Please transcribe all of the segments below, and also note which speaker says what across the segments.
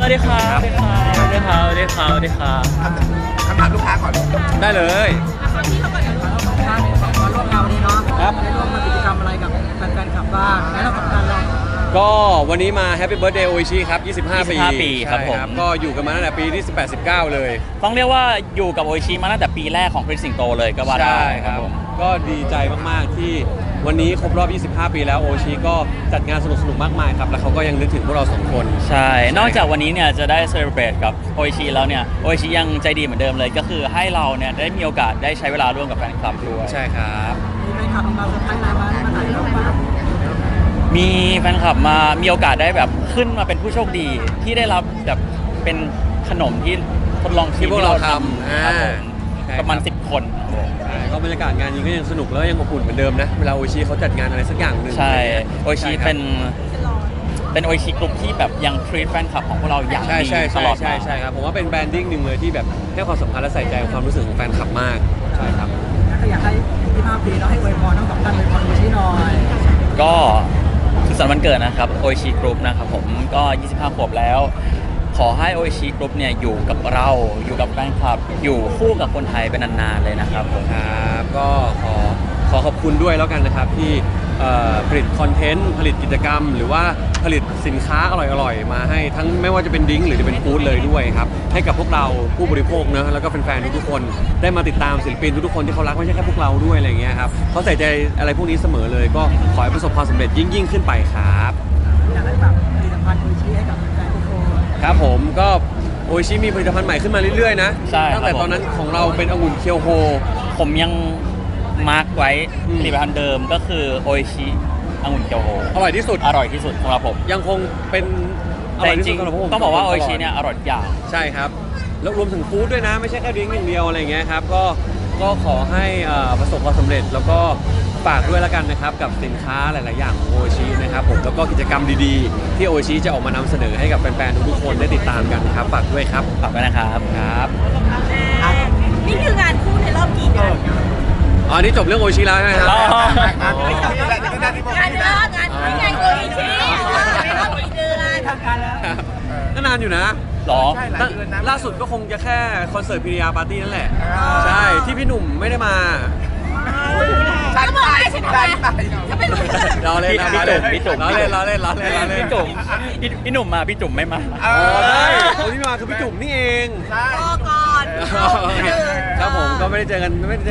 Speaker 1: วัสดีครับสวัสดีครับสวัสดีครับสวัสดีครับ
Speaker 2: คำถามลูกค้าก่อน
Speaker 1: ได้เลย
Speaker 3: คำที่เขาก่อนเดี๋ยวเราสองท่านมาร่วมงานวันนี้เนาะ
Speaker 1: ครับ
Speaker 3: ได้ร่วมมากิจกรรมอะไรกับแฟนๆคลับบ้างแล้วเรากับการเรา
Speaker 1: ก็วันนี้มา Happy Birthday โออิชิครับ25 ปี
Speaker 4: ปีครับผม
Speaker 1: ใช่ก็อยู่กันมาตั้งแต่ปีที่18 19 เลย
Speaker 4: ต้องเรียกว่าอยู่กับโออิชิมาตั้งแต่ปีแรกของคริสสิงโตเลยก็ว่าได้
Speaker 1: ใช่ครับ
Speaker 4: ผม
Speaker 1: ก็ดีใจมากๆที่วันนี้ครบรอบ 25 ปีแล้วโออิชิก็จัดงานสนุกๆมากมายครับแล้วเขาก็ยังนึกถึงพวกเราสองคน
Speaker 4: ใช่ นอกจากวันนี้เนี่ยจะได้เซเลบรตกับโออิชิแล้วเนี่ยโออิชิยังใจดีเหมือนเดิมเลย ก็คือให้เราเนี่ยได้มีโอกาสได้ใช้เวลาร่วมกับแฟนคลับด้วย
Speaker 1: ใช่ครับ
Speaker 3: มีแฟนคลับมาเซอร์ไพรส์มาถ่ายรูปบ้าง
Speaker 4: มีแฟนคลับมามีโอกาสได้แบบขึ้นมาเป็นผู้โชคดีที่ได้รับแบบเป็นขนมที่ทดลองชิม
Speaker 1: ที่พวกเราทำ
Speaker 4: ครับผม
Speaker 1: ใช่
Speaker 4: ประมาณ
Speaker 1: ครับ
Speaker 4: 10 คนครับผม
Speaker 1: ใช่ก็บรรยากาศงานนี้ก็ยังสนุกแล้วยังอบอุ่นเหมือนเดิมนะเวลาโออิชิเขาจัดงานอะไรสักอย่างหนึ่ง
Speaker 4: ใช่โออิชิ
Speaker 1: ใช่ครับ
Speaker 4: เป็นโออิชิกลุ่มที่แบบยังทรีตแฟนคลับของพวกเราอย่าง
Speaker 1: ใช่
Speaker 4: ดี
Speaker 1: ใช่
Speaker 4: ต
Speaker 1: ใช่
Speaker 4: ลอด
Speaker 1: ใช่
Speaker 4: มา
Speaker 1: ใช่ครับผมว่าเป็นแบรนดิ้งหนึ่งเลยที่แบบให้ความสำคัญและใส่ใจกับความรู้สึกของแฟนคลับมากใช่ครับ
Speaker 3: แล้วก็อยากให้25 ปีเนาะให้อวยพรทั้งสองท่านอวยพรดูชี้หน่อย
Speaker 4: ก็สุขสันต์วันเกิดนะครับโออิชิกรุ๊ปนะครับผมก็ 25 ขวบแล้ว ขอให้โออิชิกรุ๊ปเนี่ยอยู่กับเราอยู่กับแฟนคลับ อยู่คู่กับคนไทยเป็นนานๆเลยนะครับผม
Speaker 1: ครับก็ขอขอบคุณด้วยแล้วกันนะครับที่ผลิตคอนเทนต์ผลิตกิจกรรม หรือว่าผลิตสินค้าอร่อยๆมาให้ทั้งไม่ว่าจะเป็นดริ้งก์หรือจะเป็นฟู้ดเลยด้วยครับให้กับพวกเราผู้บริโภคเนอะแล้วก็แฟนๆทุกๆคนได้มาติดตามศิลปินทุกๆคนที่เขารักไม่ใช่แค่พวกเราด้วยอะไรอย่างเงี้ยครับเขาใส่ใจอะไรพวกนี้เสมอเลย ก็ขอให้ประสบความสำเร็จยิ่งขึ้นไปครับ
Speaker 3: อยากให้แบบผลิตภัณฑ์ดูชี้ให้กับแฟนๆทุกคน
Speaker 1: ครับผมก็โออิชิมีผลิตภัณฑ์ใหม่ขึ้นมาเรื่อยๆนะ
Speaker 4: ใช่ครับ
Speaker 1: ตั้งแต่ตอนนั้นของเราเป็นองุ่นเคียวโฮ
Speaker 4: ผมยังมาร์กไว้
Speaker 1: อืม
Speaker 4: ผลิตภัณฑ์เดิมก็คือโออิชิองุ่นเกียวโฮ
Speaker 1: อร่อยที่สุด
Speaker 4: อร่อยที่สุดสำหรับผม
Speaker 1: ยังคงเป็นอ
Speaker 4: แต่
Speaker 1: ร่อย
Speaker 4: จ
Speaker 1: ที่สุ
Speaker 4: ริ
Speaker 1: ด
Speaker 4: ง
Speaker 1: สำหรับผม
Speaker 4: ๆต้องบอกว่าโออิชิเนี่ยอร่อยทุกอย่าง
Speaker 1: ใช่ครับแล้วรวมถึงฟู้ดด้วยนะไม่ใช่แค่ดริ้งก์อย่างเดียวอะไรอย่างเงี้ยครับก็ขอให้ประสบความสำเร็จแล้วก็ฝากด้วยแล้วกันนะครับกับสินค้าหลายๆอย่างของโออิชินะครับผมแล้วก็กิจกรรมดีๆที่โออิชิจะออกมานำเสนอให้กับแฟนๆทุกๆคนได้ติดตามกันครับฝากด้วยครับ
Speaker 4: ฝากไว้นะครับ
Speaker 1: ครับ
Speaker 5: นี่คืองานคู่ในรอบกี่เดือน
Speaker 1: อ๋อนี่จบเรื่องโออิชิแล้วใช่ไหมครับ
Speaker 4: อ๋อ
Speaker 1: อ๋อ
Speaker 5: งานเดือนงานโออิชิในรอบกี่เดือน
Speaker 3: ทำการแล้ว
Speaker 1: ก็นานอยู่นะ
Speaker 4: หรอ
Speaker 1: ล่าสุดก็คงจะแค่คอนเสิร์ตพีริยาปาร์ตี้นั่นแหละใช่ที่พี่หนุ่มไม่ได้มา
Speaker 5: ฉันบอกให้ฉันไปฉันไม่รู้
Speaker 1: เราเล่น
Speaker 4: พี่จุ๋ม
Speaker 1: เราเล่นเราเล่นเราเล่นเราเล่น
Speaker 4: พี่จุ๋มพี่หนุ่มมาพี่จุ๋มไม่มา
Speaker 1: อ๋อได้คนที่มาคือพี่จุ๋มนี่เอง
Speaker 5: รอก่อน
Speaker 1: ครับผมก็ไม่ได้เจอกัน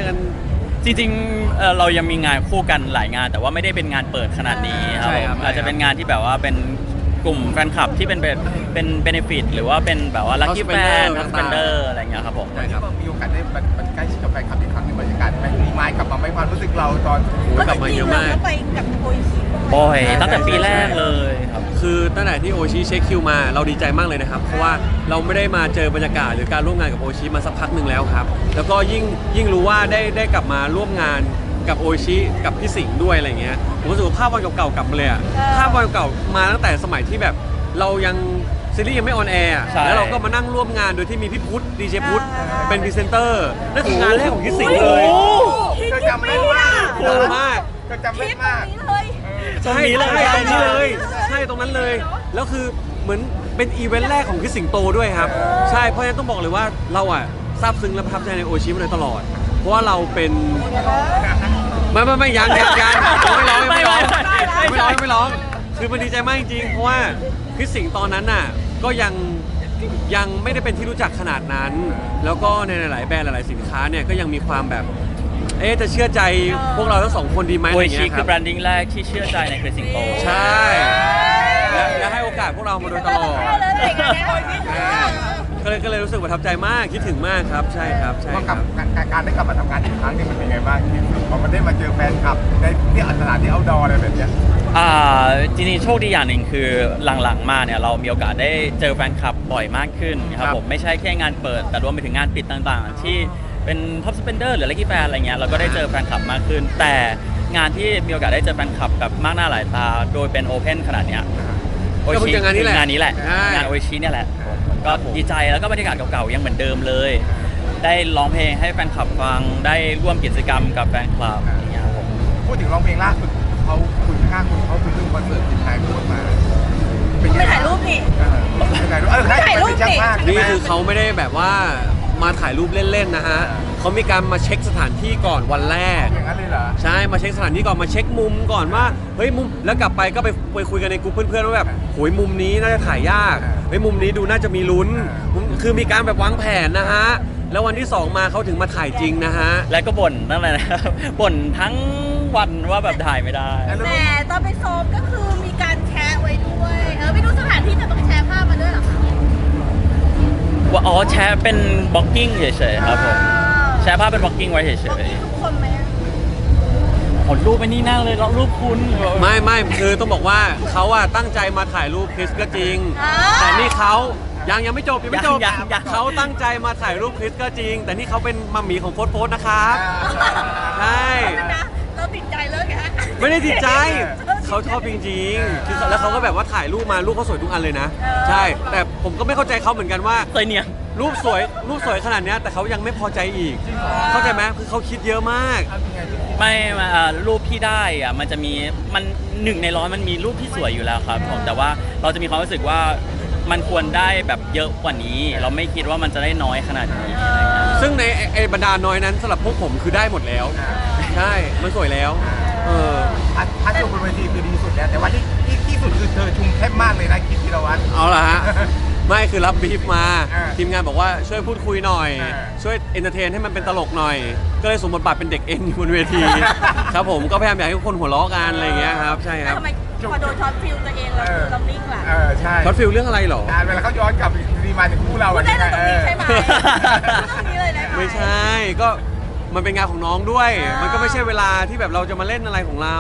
Speaker 4: จริงๆเรายังมีงานคู่กันหลายงาน แต่ว่าไม่ได้เป็นงานเปิดขนาดนี้ครับ
Speaker 1: ใช่ครับ
Speaker 4: อาจจะเป็นงานที่แบบว่าเป็นกลุ่มแฟนคลับที่เป็นเบนฟิตหรือว่าเป็นแบบว่าลัคกี้แฟน
Speaker 1: House
Speaker 4: ทั
Speaker 1: Spender
Speaker 4: สเปนเดอร์อะไรอย่างเงี้ยครับผม
Speaker 1: ใช่ครับ
Speaker 2: มีโอกาสได้มันใกล้ชิดกับแฟนคลับอีกครั้งหนึ่งบรรยากาศไหมมีไม้กลับมาไหมความรู้สึกเราตอน
Speaker 1: โอ้ยกลับมาเยอะมาก
Speaker 5: ก็ไปกับโออิชิ
Speaker 4: บ่อยตั้งแต่ปีแรกเลยครับ
Speaker 1: คือตั้งแต่ที่โอชิเช็คคิวมาเราดีใจมากเลยนะครับ เพราะว่าเราไม่ได้มาเจอบรรยากาศหรือการร่วมงานกับโอชิมาสักพักหนึ่งแล้วครับ แล้วก็ยิ่งรู้ว่าได้กลับมาร่วมงานกับโอชิกับพี่สิงห์ด้วยอะไรเงี้ยผมรู้สึกว่าภาพวันเก่าๆกลับมาเลยอะภาพวันเก่ามาตั้งแต่สมัยที่แบบเรายังซีรีส์ยังไม่ออนแอร์อะ
Speaker 4: ใช่
Speaker 1: แล้วเราก็มานั่งร่วมงานโดยที่มีพี่พุทธดีเจพุทธเป็นพรีเซนเตอร์นั่นคืองานแรกของพี่สิงห์เลย
Speaker 5: คิด
Speaker 2: ก็
Speaker 5: ยัง
Speaker 2: จำ
Speaker 5: ไม่
Speaker 2: ได้
Speaker 5: ได้
Speaker 2: มาก
Speaker 1: ดังมาก
Speaker 2: ก็จำ
Speaker 5: คิ
Speaker 2: ได้
Speaker 5: ดตรง
Speaker 2: มาก
Speaker 5: นี้เลย
Speaker 1: ใช่ตรงนี้เลยใช่ตรงนั้นเลย แล้วคือเหมือนเป็นอีเวนต์แรกของพี่สิงโตด้วยครับ ใช่เพราะฉะนั้นต้องบอกเลยว่าเราอ่ะซาบซึ้งและประทับใจในโอชิมาโดยตลอด เพราะว่าเราเป็นไม่ยังไม่ร้องคือมันดีใจมากจริงๆเพราะว่าพี่สิงตอนนั้นน่ะก็ยังไม่ได้เป็นที่รู้จักขนาดนั้น แล้วก็ในหลายๆแบรนด์หลายๆสินค้าเนี่ยก็ยังมีความแบบจะเชื่อใจพวกเราทั้งสองคนดีไหม
Speaker 4: โอ
Speaker 1: อะไร
Speaker 4: อิชิ
Speaker 1: เงี้ยค
Speaker 4: คื
Speaker 1: รั
Speaker 4: อบ แบรนดิ้งแรกที่เชื่อใจในคริสสิงโต
Speaker 1: ใช่และให้โอกาสพวกเรามาโดยตลอด
Speaker 5: ได้เลยงานนี้โออิชิ
Speaker 1: ก็เลยรู้สึกประทับใจมากคิดถึงมากครับใช่ครับใช่
Speaker 2: ว่า
Speaker 1: ค
Speaker 2: กั
Speaker 1: รั
Speaker 2: บบ การได้กลับมาทำงานอีกครั้งนี่มันเป็นไงบ้างที่พอมันได้มาเจอแฟนคลับในที่สถานที่เอาท์ดอร์อะไรแบบเนี้ย
Speaker 4: จริงๆโชคดีอย่างหนึ่งคือหลังๆมาเนี่ยเรามีโอกาสได้เจอแฟนคลับบ่อยมากขึ้นครับผมไม่ใช่แค่งานเปิด แต่รวมไปถึงงานปิดต่างๆ ที่เป็นท็อปสเปนเดอร์หรือลัคกี้แฟนอะไรเงี้ยเราก็ได้เจอแฟนคลับมากขึ้น แต่งานที่มีโอกาสได้เจอแฟนคลับแบบมากหน้าหลายตาโดยเป็นโอเพนขนาดเนี้ย
Speaker 1: ก็เพิ่งเจองานนี้แหละ
Speaker 4: งานนี้แหละ
Speaker 1: ใช่
Speaker 4: งานโอชิเนี่ยแหละก็ดีใจแล้วก็บรรยากาศเก่าๆยังเหมือนเดิมเลย ได้ร้องเพลงให้แฟนคลับฟังได้ร่วมกิจกรรมกับแฟนคลับอย่างเงี้ยครับผม
Speaker 2: พูดถึงร้องเพลงล่าสุดเขาคุณค่าคุณเขาไปดูคอนเสิร์ตจิตใจพูดมาเป็นไง
Speaker 5: ไปถ่ายรูปนี่
Speaker 2: ถ่ายรูปนี่
Speaker 1: นี่คือเขาไม่ได้แบบว่ามาถ่ายรูปเล่นๆนะฮะเขามีการมาเช็คสถานที่ก่อนวันแรก
Speaker 2: อย่างนั้นเลยเหรอ
Speaker 1: ใช่มาเช็คสถานที่ก่อนมาเช็คมุมก่อนว่าเฮ้ยมุมแล้วกลับไปก็ไปคุยกันในกลุ่มเพื่อนๆว่าแบบโหยมุมนี้น่าจะถ่ายยากเฮ้ยมุมนี้ดูน่าจะมีลุ้นคือมีการแบบวางแผนนะฮะแล้ววันที่ 2มาเขาถึงมาถ่ายจริงนะฮะ
Speaker 4: และก็บ่นนั่นแหละนะครับ บ่นทั้งวันว่าแบบถ่ายไม่ได้
Speaker 5: แต่ตอนไปซ้อมก็คือมีการแชร์ไว้ด้วยไปดูสถานที่แต่ต้องแชร์ภาพมาด้วยเหรอคะ
Speaker 4: ว่าอ๋อแชร์เป็นบล็อกกิ้งเฉยๆครับผมแชร์ภาพเป็นบล็อกกิ้งไว้เฉ
Speaker 5: ตรง
Speaker 4: ย
Speaker 5: นี้ทุกคนไหม
Speaker 4: ๆผลรูปไปนี่นั่งเลยแล้วรูปคุณ
Speaker 1: ไม่คือต้องบอกว่าเขาอะตั้งใจมาถ่ายรูปคริสก็จริง แต่นี่เขายังไม่จบยังไม่จบ
Speaker 4: ยัง
Speaker 1: เขาตั้งใจมาถ่ายรูปคริสก็จริง แต่นี่เขาเป็นมัมหมี่ของโฟสนะครับใช่
Speaker 5: นะเราติดใจเลยฮะ
Speaker 1: ไม่ได้ติดใจเขาชอบจริงๆคือแล้วเขาก็แบบว่าถ่ายรูปมารูปเขาสวยทุกอันเลยนะ ใช่ แต่ผมก็ไม่เข้าใจเขาเหมือนกันว่า
Speaker 4: เคยเนี่ย
Speaker 1: รูปสวยขนาดเนี้ยแต่เขายังไม่พอใจอีก เข้าใจไหมคือเขาคิดเยอะมาก
Speaker 4: ไม่มารูปที่ได้อะมันจะมีมัน1 ใน 100มันมีรูปที่สวยอยู่แล้วครับผมแต่ว่าเราจะมีความรู้สึกว่ามันควรได้แบบเยอะกว่านี้ เราไม่คิดว่ามันจะได้น้อยขนาดนี้อะไรเงี้ย
Speaker 1: ซึ่งในไอ้บรรดาน้อยนั้นสำหรับพวกผมคือได้หมดแล้ว ใช่มันสวยแล้วเออ
Speaker 2: พัดชมบนเวทีคือดีสุดแล้วแต่ว่าที่สุดคือเธอชุมเข้มมากเลยนะคิดธีรวัตร
Speaker 1: เอาล่ะฮะ ไม่คือรับบีฟมา
Speaker 2: อ่า
Speaker 1: ทีมงานบอกว่าช่วยพูดคุยหน่อย
Speaker 2: อ่า
Speaker 1: ช่วยเอนเตอร์เทนให้มันเป็นตลกหน่อย ก็เลยสวมบทบาทเป็นเด็กเอ็นอยู่บนเวที ครับผมก็พยายามอยากให้ทุกคนหัวเราะกันอะไรอย่างเงี้ยครับใช่ครับ
Speaker 5: ทำไมพอโดนช็อตฟิลตัวเองเรานิ่งล่ะ
Speaker 2: ใช่
Speaker 1: ช็อตฟิลเรื่องอะไรเหรอ
Speaker 2: เวลาเขาย้อนกลับดีมาถึงคู่เรา
Speaker 5: พูดได้เลยตรงนี้ใช่ไหม
Speaker 2: เออ
Speaker 5: ตรงนี้เลยได้ไหม
Speaker 1: ไม่ใช่ก็มันเป็นงานของน้องด้วย มันก็ไม่ใช่เวลาที่แบบเราจะมาเล่นอะไรของเรา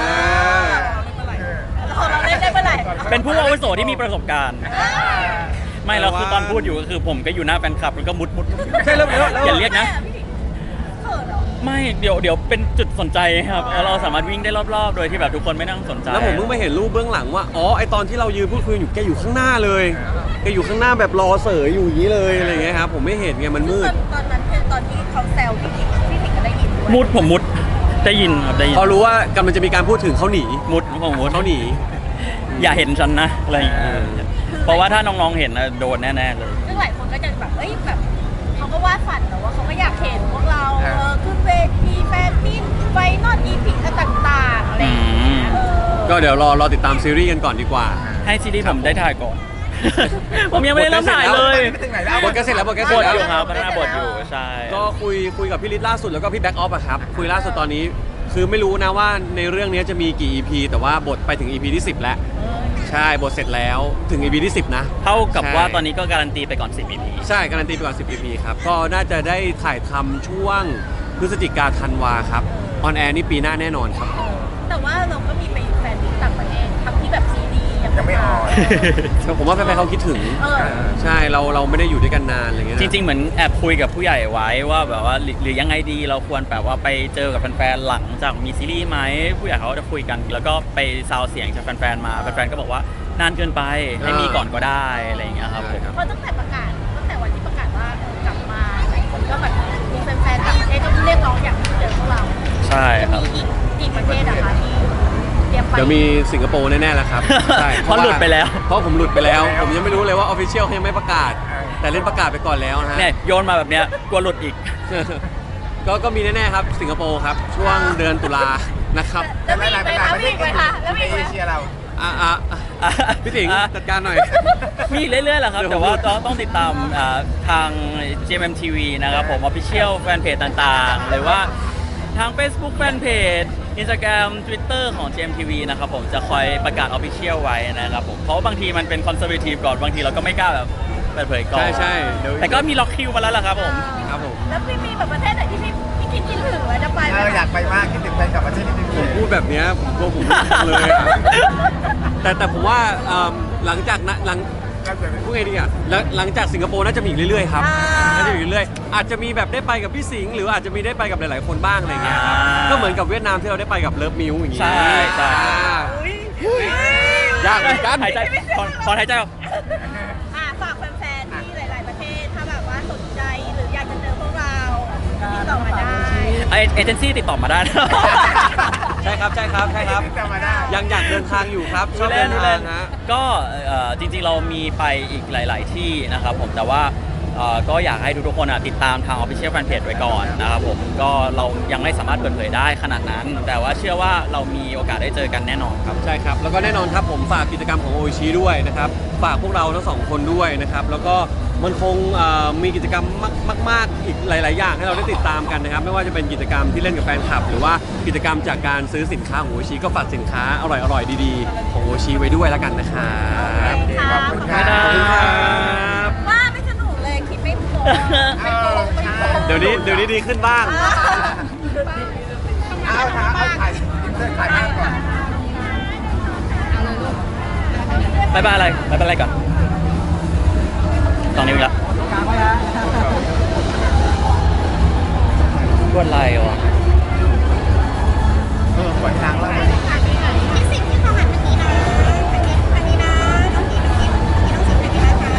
Speaker 5: เราเล่นได้เมื่อไหร่
Speaker 4: เป็นผู้อาวุโสที่มีประสบการณ์ ไม่แล้วคือตอนพูดอยู่ก็คือผมก็อยู่หน้าแฟนคลับแล้วก็มุด
Speaker 1: ใช่แล้ว
Speaker 4: อย่าเรียกนะ
Speaker 5: เขินเหรอ
Speaker 4: ไม่เดี๋ยวเป็นจุดสนใจครับเราสามารถวิ่งได้รอบๆ โดยที่แบบทุกคนไม่นั่งสนใจ
Speaker 1: แล้วผมเพิ่งไปเห็นรูปเบื้องหลังว่าอ๋อไอตอนที่เรายืนพูดคุยอยู่แกอยู่ข้างหน้าเลยแกอยู่ข้างหน้าแบบรอเสยอยู่อย่างนี้เลยอะไรอย่างเงี้ยครับผมไม่เห็นไงมันมืด
Speaker 5: ตอนนั้นคือตอนที่เขาแซวพี่ถิงก็ได้ยินด้วย
Speaker 4: ผมมุดได้ยินครับได้ยิน
Speaker 1: พอรู้ว่ากำลังจะมีการพูดถึงเขาหนี
Speaker 4: ผมมุด
Speaker 1: เขาหนี
Speaker 4: อย่าเห็นฉันนะอะไรอย่างเงี้ยเพราะว่าถ้าน้องๆเห็นนะโดนแน่ๆเลย
Speaker 5: ซึ่งหลายคนก็จะแบบแบบเขาก็วาดฝันแต่ว่าเขาก็อยากเห็นพวกเราขึ้นเวทีแฟนมิตไฟนอตอีพิกต่างๆอะไรอย่างเงี้ย
Speaker 1: ก็เดี๋ยวรอติดตามซีรีส์กันก่อนดีกว่า
Speaker 4: ให้ซีรีส์ผมได้ถ่ายก่อน ผมยังไม่ได้เริ่มถ่ายเลย
Speaker 2: ไปถึงไหนแล้ว
Speaker 1: บทก็เสร็จแล้วบทก็
Speaker 4: บ
Speaker 1: เสร็จ
Speaker 4: ท
Speaker 1: แล้ว
Speaker 4: อยู่ครับพัฒนาบทอยู่ใช่
Speaker 1: ก็คุยกับพี่ลิศล่าสุดแล้วก็พี่แบ็กออฟอะครับคุยล่าสุดตอนนี้ คือไม่รู้นะว่าในเรื่องนี้จะมีกี่ EP แต่ว่าบทไปถึง EP ที่ 10 แล้วใช่บทเสร็จแล้วถึง EP ที่ 10 นะ
Speaker 4: เท่ากับว่า
Speaker 1: ใช่
Speaker 4: ตอนนี้ก็การันตีไปก่อน 10 EP
Speaker 1: ใช่การันตีไปก่อน 10 EP ครับ ก็น่าจะได้ถ่ายทำช่วงพฤศจิกาธันวาครับออนแอร์นี่ปีหน้าแน่นอนครับ
Speaker 5: แต่ว่าเราก็มีไปแฟนมิตต่างประเทศทำที่แบบซีดี
Speaker 2: ยังไม่ออน
Speaker 1: ผมว่าแฟนๆเขาคิดถึง ใช่เราไม่ได้อยู่ด้วยกันนานอะไรเงี้ยนะ
Speaker 4: จริงๆเหมือนแอบคุยกับผู้ใหญ่ไว้ว่าแบบว่าหรือยังไงดีเราควรแบบว่าไปเจอกับแฟนๆหลังจากมีซีรีส์ไหมผู้ใหญ่เขาจะคุยกัน แล้วก็ไปซาวเสียงจากแฟนๆมาแฟนๆก็บอกว่านานเกินไปให้มีก่อนก็ได้อะไรอย่างเงี้ยครับผม
Speaker 5: เพราะตั้งแต่วันที่ประกาศว่ากลับมาหลายคนก็แบบมีแฟนๆต่างประเทศก็เรียกร้องอยากเจอพวกเรา
Speaker 4: ใช่ครับ
Speaker 5: มีอีกประเทศอะคะที่เตรียมไป
Speaker 1: เดี๋ยวมีสิงคโปร์แน่ๆแล้วครับใช่
Speaker 4: เพราะหลุดไปแล้ว
Speaker 1: เพราะผมหลุดไปแล้ว ผมยังไม่รู้เลยว่าออฟฟิเชียลเขายังไม่ประกาศ แต่เล่นประกาศไปก่อนแล้วนะฮะ
Speaker 4: เนี่ยโยนมาแบบเนี้ยกลัวหลุดอีก
Speaker 1: ก็มีแน่ๆครับสิงคโปร์ครับช่วงเดือนตุลานะครับ
Speaker 5: แล้วมีอีกไหมคะมีอีกไหมคะแล้วมี
Speaker 2: ใน
Speaker 5: อีกไหม
Speaker 2: เอเชียเรา
Speaker 1: พี่ติ๋งจัดการหน่อย
Speaker 4: มีเรื่อยๆแหละครับ แต่ว่าต้องติดตามทาง GMMTV นะครับผม Official Fanpage ต่างๆ หรือว่าทาง Facebook Fanpage Instagram Twitter ของ GMTV นะครับผมจะคอยประกาศ Official ไว้นะครับผมเพราะว่าบางทีมันเป็น Conservative ก่อนบางทีเราก็ไม่กล้าแบบเปิดเผยก่อน
Speaker 1: ใช่เดี๋ยว
Speaker 4: แต่ก็มีล็อกคิวมาแล้วล่ะครับผม
Speaker 1: ครับผม
Speaker 5: แล้วพี่มีแบบประเทศไหนที่พี่คิดถึงไว้จะไปไหม
Speaker 2: อยากไปมากคิดถึงแฟนกลับประเทศนิดนึง
Speaker 1: ผมพูดแบบเนี้ยผมกลัวผมไม่ฟังเลยอะแต่ผมว่าหลังจากนั้นพูดไงดีอ่ะหลังจากสิงคโปร์น่าจะมีอีกเรื่อยๆครับน่าจะมีอีกเรื่อยๆอาจจะมีแบบได้ไปกับพี่สิงห์หรืออาจจะมีได้ไปกับหลายๆคนบ้างอะไรเงี้ยครับก็เหมือนกับเวียดนามที่เราได้ไปกับเลิฟมิวอย่างงี้
Speaker 4: ใช่ใช่
Speaker 1: ยากเหมือนกัน
Speaker 4: หายใจถอนหายใจออก
Speaker 5: ฝากแฟนๆที่หลาย ๆประเทศถ้าแบบว่าสนใจหรืออยากจะเจอพวกเราติดต่อมาได้
Speaker 4: เอเจนซี่ติดต่อมาได้นะ
Speaker 1: ใช่ครับใช่ครับใช่ครับ
Speaker 2: จำมาได้
Speaker 1: ยังอยากเดินทางอยู่ครับชอบเดินทางฮะ
Speaker 4: ก็จริงๆเรามีไปอีกหลาย ๆ ที่นะครับผมแต่ว่าก็อยากให้ทุกๆคนติดตามทาง Official Fanpage ไว้ก่อนนะครับผมก็เรายังไม่สามารถเปิดเผยได้ขนาดนั้น แต่ว่าเชื่อว่าเรามีโอกาสได้เจอกันแน่นอนครับ
Speaker 1: ใช่ครับ แล้วก็แน่นอนครับผมฝากกิจกรรมของโอชิด้วยนะครับ ฝากพวกเราทั้งสองคนด้วยนะครับ แล้วก็มันคงมีกิจกรรมมากๆอีกหลาย ๆ อย่างให้เราได้ติดตามกันนะครับ ไม่ว่าจะเป็นกิจกรรมที่เล่นกับแฟนคลับ หรือว่ากิจกรรมจากการซื้อสินค้าของโอชิก็ฝากสินค้าอร่อย ๆ ดีๆ ของโอชิไว้ด้วยแล้วกันนะครับ
Speaker 2: โอเคขอบคุณครับ
Speaker 1: ขอบคุณครับ
Speaker 5: ว่าไม่สนุกเลยคิดไม่โกงไม่โกงไม่โกง
Speaker 1: เดี๋ยวนี้ดีขึ้นบ้าง
Speaker 2: เอาถ่ายเสื้อถ่ายภาพก่อน
Speaker 4: บายบายอะไรก่อนตอนนี้มีละ
Speaker 3: กลางไว้ฮะ
Speaker 4: กดไลน์วะ
Speaker 2: กดทางแล้ว
Speaker 5: ที่สิ่งที่เขาหันเมื่อกี้นะอันนี้นะน้องกินน้องสิ่งอันนี้นะคะ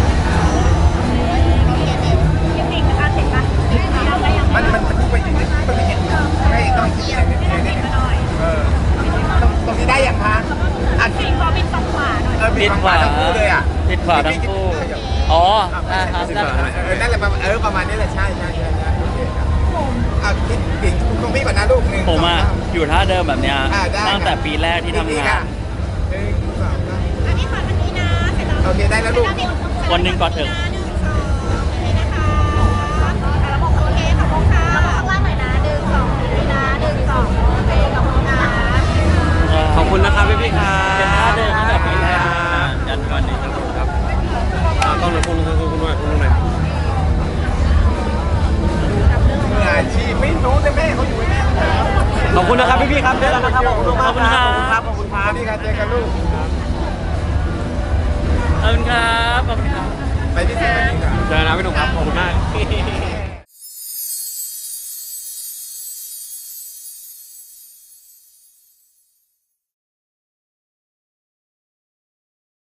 Speaker 5: ที่สิ่งนะคะเห็นปะ
Speaker 2: มันพูดไปอย่างนี้ต้องมีไม่ต้องคิดอะไรนิดตรงนี้ได้อย่างคะอัน
Speaker 5: สิ่งขอเป็นฝั่งขวาหน่อย
Speaker 4: ปิดขวา
Speaker 2: ทั้งคู่เลยอ่ะ
Speaker 4: ปิดขวาทั้งคู่อ๋อครับ
Speaker 2: นั่นแหละประมาณนี้แหละใช่โอเคครับเอาคิดถึงตรงพี่ก่อนนะลูกหนึ่ง
Speaker 4: ผมอยู่ท่าเดิมแบบเนี้ย
Speaker 2: ได้
Speaker 4: ตั้งแต่ปีแรกที่ทำงาน
Speaker 5: อันนี้ขออันนี้นะเสร็จแล้ว
Speaker 2: โอเคได้แล้วลูก
Speaker 4: วันหนึ่งก่อนเถอะ
Speaker 5: 1 2นี่นะคะระบบโอเคขอบคุณค่ะระบบข้างล่างหน่อยนะ1 2นี่นะ1 2โอเคขอบคุณนะ
Speaker 1: ขอบคุณนะครับพี่ๆครับ
Speaker 4: เป็นท่าเดิมตั้งแต่ปีแรกยันวันนี้
Speaker 1: ครับต้องหน่อยคุณหน่อยคุณหน่อย
Speaker 2: มืออาชีพไม่รู้แต่แม่เขาอยู่แม่
Speaker 1: ขอบคุณนะครับพี่ๆครับเจอกันนะครับขอบคุณมากครับขอบคุณครับ
Speaker 2: นี่ค่ะเจอกันลูก
Speaker 4: ขอบคุณครับ
Speaker 2: ไปที่เซนต์กันดีกว่า
Speaker 1: เจอกันนะพี่หนุ่มครับขอบคุณมาก